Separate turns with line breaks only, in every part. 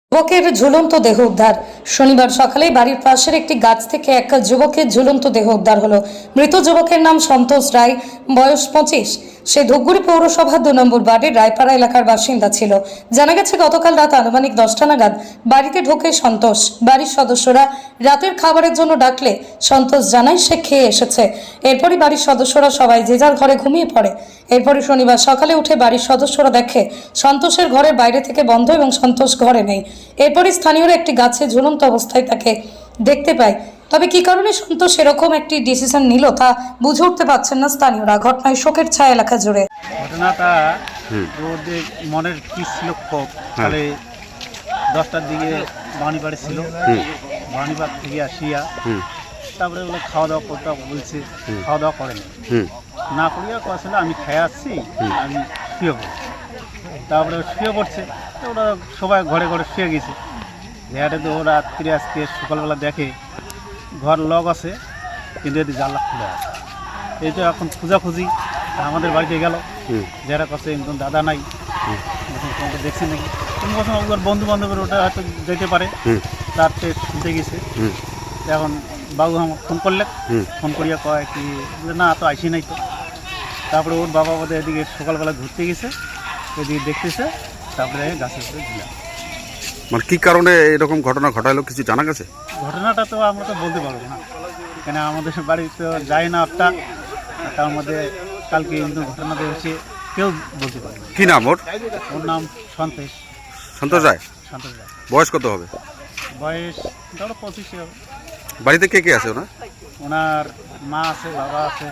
যুবকের ঝুলন্ত দেহ উদ্ধার। শনিবার সকালে বাড়ির পাশের একটি গাছ থেকে এক যুবকের ঝুলন্ত দেহ উদ্ধার হলো। মৃত যুবকের নাম সন্তোষ রায়, বয়স 25। সে ধূপগুড়ি পৌরসভা 2 নম্বর ওয়ার্ডের রায়পাড়া এলাকার বাসিন্দা ছিল। জানা গেছে গতকাল রাত আনুমানিক 10টা নাগাদ বাড়িতে ঢোকে সন্তোষ। বাড়ির সদস্যরা রাতের খাবারের জন্য ডাকলে সন্তোষ জানায় সে খেয়ে এসেছে। এরপরই বাড়ির সদস্যরা সবাই যে যার ঘরে ঘুমিয়ে পড়ে। এরপরই শনিবার সকালে উঠে বাড়ির সদস্যরা দেখে সন্তোষের ঘরের বাইরে থেকে বন্ধ এবং সন্তোষ ঘরে নেই। এরপরই স্থানীয়রা একটি গাছে ঝুলন্ত অবস্থায় তাকে দেখতে পায়। তবে কি কারণে সন্তোষ এরকম একটি ডিসিশন নিল তা বুঝে উঠতে পারছেন না স্থানীয়রা। ঘটনায় শোকের ছায়া এলাকা জুড়ে।
ঘটনাটা ওদের মনের কি ছিল ক্ষোভ, তাহলে 10টার দিকে বাড়ি ছিল, বাড়ি থেকে আসিয়া তারপরে ওগুলো খাওয়া দাওয়া করতে বলছে, খাওয়া দাওয়া করেনি, না করিয়া আসলে আমি খেয়ে আসছি, আমি শুয়ে পড়ি। তারপরে শুয়ে পড়ছে, তো ওরা সবাই ঘরে ঘরে শুয়ে গেছে। দেখাটা তো ওরা রাত্রে আজকে সকালবেলা দেখে ঘর লক আছে, কিন্তু এটি জানলা খুলে আছে। এই তো এখন খোঁজাখুঁজি আমাদের বাড়িতে গেল, যারা কাছে একদম দাদা নাই, তোমাকে দেখছি নাকি, তুমি বলছো ওর বন্ধু বান্ধবের ওটা হয়তো যেতে পারে, তার থেকে শুনতে গেছে। এখন বাবু আমার ফোন করলে, ফোন করিয়া কয় কি না তো আইসি নাই তো। তারপরে ওর বাবা বোধহয় এদিকে সকালবেলা ঘুরতে গেছে, এদিকে দেখতেছে, তারপরে গাছের উপরে ঝুলে।
মানে কি কারণে এরকম ঘটনা ঘটালো কিছু জানা গেছে?
ঘটনাটা তো আমরা তো বলতে পারবো না, কেন আমাদের বাড়ি তো যায় না একটা, তার মধ্যে কালকে কিন্তু ঘটনাতে হচ্ছে কেউ বলতে পারে না।
কি নাম ওর?
ওর নাম সন্তোষ।
সন্তোষ রায়।
সন্তোষ রায়।
বয়স কত হবে?
বয়স ধরো 25 হবে।
বাড়িতে কে কে আছে ওনার?
ওনার মা আছে, বাবা আছে,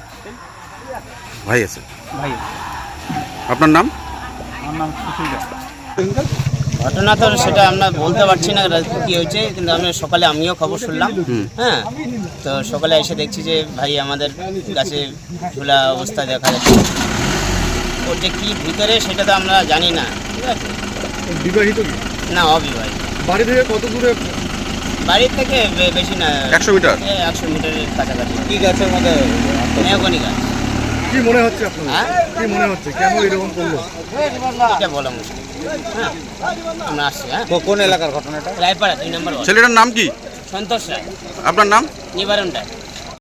ভাই আছে।
ভাই।
আপনার নাম?
আমার নাম সুশীল রায়।
ঘটনা তো সেটা আমরা বলতে পারছি না কি হয়েছে, কিন্তু আমি সকালে আমিও খবর শুনলাম। হ্যাঁ, তো সকালে এসে দেখছি যে ভাই আমাদের গাছে ঝোলা অবস্থা দেখা যাচ্ছে। ওর যে কী ভিতরে সেটা তো আমরা জানি না। ঠিক আছে,
বিবাহিত?
না, অবিবাহিত।
বাড়ি থেকে কত দূরে?
বাড়ির থেকে বেশি না,
100 মিটার।
100 মিটারের কাছাকাছি।
কি গাছের মধ্যে?
মেহগনি গাছ।
কি মনে হচ্ছে আপনার? কি মনে হচ্ছে কেন এরকম করলো
এটা বলা মুশকিল। হ্যাঁ, আমরা আসছি। হ্যাঁ,
কোন এলাকার ঘটনাটা?
রায়পাড়া 2 নম্বর ওয়ার্ড।
ছেলেটার নাম কি?
সন্তোষ রায়।
আপনার নাম?
নিবারণ রায়।